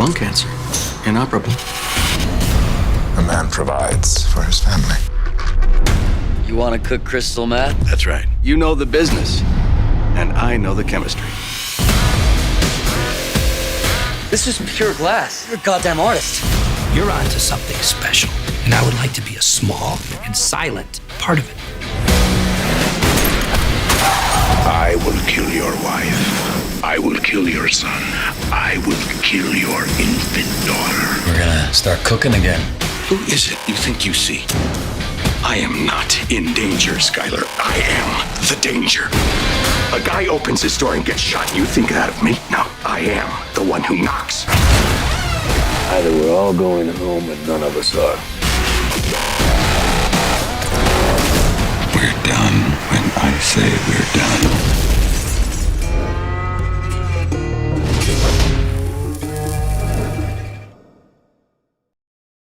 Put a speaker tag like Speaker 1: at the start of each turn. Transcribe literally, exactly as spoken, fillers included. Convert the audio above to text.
Speaker 1: lung cancer. Inoperable.
Speaker 2: A man provides for his family.
Speaker 3: You want to cook crystal meth?
Speaker 1: That's right. You know the business, and I know the chemistry.
Speaker 3: This is pure glass. You're a goddamn artist.
Speaker 4: You're onto something special, and I would like to be a small and silent part of it.
Speaker 5: I will kill your wife. I will kill your son. I will kill your infant daughter.
Speaker 3: We're gonna start cooking again.
Speaker 1: Who is it you think you see? I am not in danger, Skylar. I am the danger. A guy opens his door and gets shot. You think that of me? No, I am the one who knocks.
Speaker 6: Either we're all going home and none of us are.
Speaker 1: We're done when I say we're done.